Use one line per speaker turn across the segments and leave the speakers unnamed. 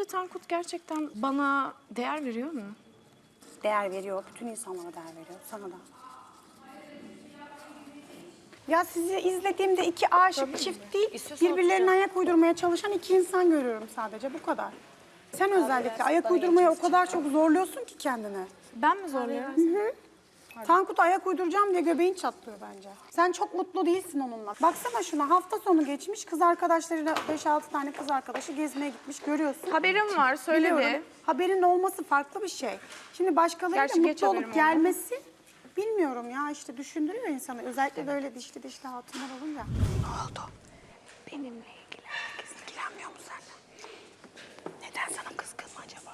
Sence Tankut gerçekten bana değer veriyor mu?
Değer veriyor. Bütün insanlara değer veriyor. Sana da. Ya sizi izlediğimde iki aşık çift değil, birbirlerine ayak uydurmaya çalışan iki insan görüyorum sadece. Bu kadar. Sen özellikle ayak uydurmaya o kadar çok zorluyorsun ki kendini.
Ben mi zorluyorum?
Tankut ayak uyduracağım diye göbeğin çatlıyor bence. Sen çok mutlu değilsin onunla. Baksana şuna, hafta sonu geçmiş, kız arkadaşlarıyla 5-6 tane kız arkadaşı gezmeye gitmiş, görüyorsun.
Haberim var, söyledi.
Biliyorum. Haberin olması farklı bir şey. Şimdi başkalarıyla
Gerçi geç
mutlu
haberim
olup
oldu.
gelmesi bilmiyorum ya, işte düşündürüyor insanı. Özellikle böyle dişli hatunlar olunca. Ne oldu? Benimle ilgili herkes ilgilenmiyor mu seninle? Neden sana kızgın mı acaba?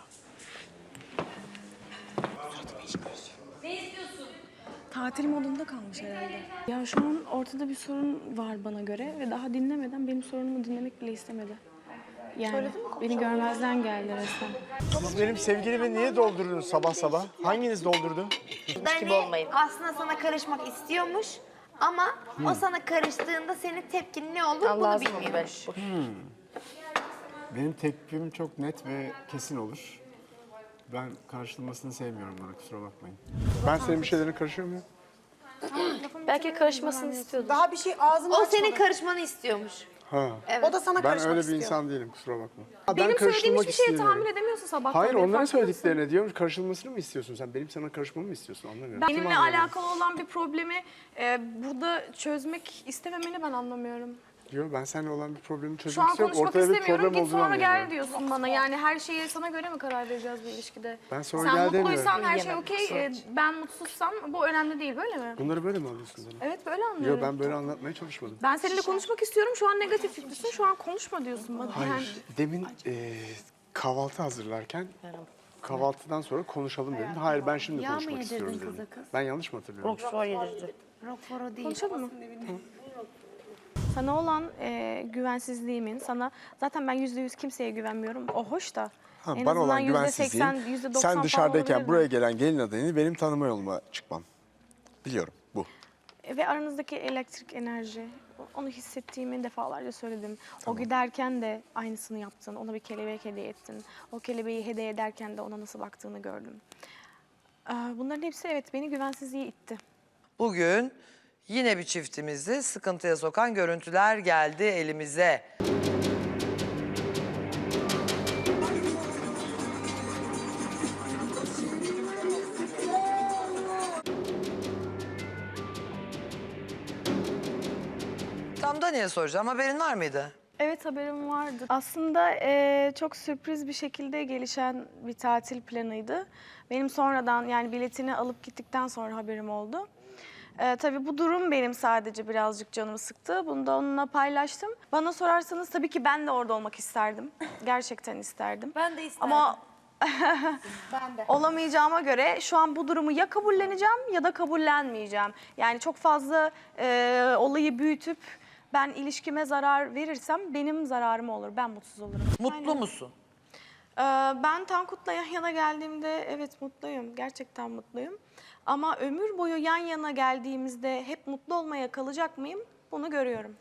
Suratımı hiç görüyorsun.
Tatil modunda kalmış herhalde. Ya şu an ortada bir sorun var bana göre ve daha dinlemeden benim sorunumu dinlemek bile istemedi. Yani beni görmezden geldi resmen.
Siz benim sevgilimi niye doldurdunuz sabah sabah? Hanginiz doldurdu?
Dani aslında sana karışmak istiyormuş ama o sana karıştığında senin tepkin ne olur bunu bilmiyormuş.
Benim tepkim çok net ve kesin olur. Ben karıştırılmasını sevmiyorum bana, kusura bakmayın. Ben senin bir şeylerine karışıyor muyum?
Belki karışmasını istiyordu.
Daha bir şey ağzını
O
açmadı.
senin karışmanı istiyormuş.
Ha.
O da sana
Ben
karışmak
öyle bir
istiyor.
insan değilim, kusura bakma.
Benim söylediğim
karıştırmak
hiçbir şeye
istemiyorum.
tahammül edemiyorsun sabahtan
Hayır,
beri,
onların
farkında mısın?
söylediklerine diyorum. Karışılmasını mı istiyorsun sen? Benim sana karışmamı mı istiyorsun? Anlamıyorum. Kim
Benimle
anlıyor?
alakalı olan bir problemi burada çözmek istememeni ben anlamıyorum.
Diyor, ben seninle olan bir problemi
Şu
çözmek
an
istiyorum.
konuşmak
Ortada bir
istemiyorum.
problem
Git
olduğunu
sonra gel
anlıyorum.
diyorsun bana. Yani her şeye sana göre mi karar vereceğiz bu ilişkide?
Ben sonra
Sen
gel
mutluysan
demiyorum.
her şey okey. Ben mutsuzsam bu önemli değil, böyle mi?
Bunları böyle mi alıyorsun bana?
Evet, böyle anlıyorum.
Yok, ben böyle anlatmaya çalışmadım.
Ben seninle konuşmak istiyorum. Şu an negatif yüklüsün. Şu an konuşma diyorsun bana. Yani
Hayır, demin kahvaltı hazırlarken kahvaltıdan sonra konuşalım dedim. Hayır, ben şimdi konuşmak istiyorum dedim. Ben yanlış mı hatırlıyorum?
Roquefort değil.
konuşalım mı? Sana olan güvensizliğimin, zaten ben %100 kimseye güvenmiyorum. O hoş da.
Ha,
En
bana
azından
olan güvensizliğim,
%80, %90
sen
falan
dışarıdayken
olabilirdi.
buraya gelen gelin adayını benim tanıma yoluma çıkmam. Biliyorum, bu.
Ve aranızdaki elektrik enerji, onu hissettiğimi defalarca söyledim. O giderken de aynısını yaptın, ona bir kelebek hediye ettin. O kelebeği hediye ederken de ona nasıl baktığını gördüm. Bunların hepsi evet beni güvensizliğe itti.
Bugün yine bir çiftimizi sıkıntıya sokan görüntüler geldi elimize. Tam Dani'ye soracağım. Haberin var mıydı?
Evet, haberim vardı. Aslında çok sürpriz bir şekilde gelişen bir tatil planıydı. Benim sonradan yani biletini alıp gittikten sonra haberim oldu. Tabii bu durum benim sadece birazcık canımı sıktı. Bunu da onunla paylaştım. Bana sorarsanız tabii ki ben de orada olmak isterdim. Gerçekten isterdim.
Ben de isterdim.
Ama olamayacağıma göre şu an bu durumu ya kabulleneceğim ya da kabullenmeyeceğim. Yani çok fazla olayı büyütüp ben ilişkime zarar verirsem benim zararım olur. Ben mutsuz olurum.
Mutlu musun?
Ben Tankut'la yan yana geldiğimde evet mutluyum. Gerçekten mutluyum. Ama ömür boyu yan yana geldiğimizde hep mutlu olmaya kalacak mıyım? Bunu görüyorum.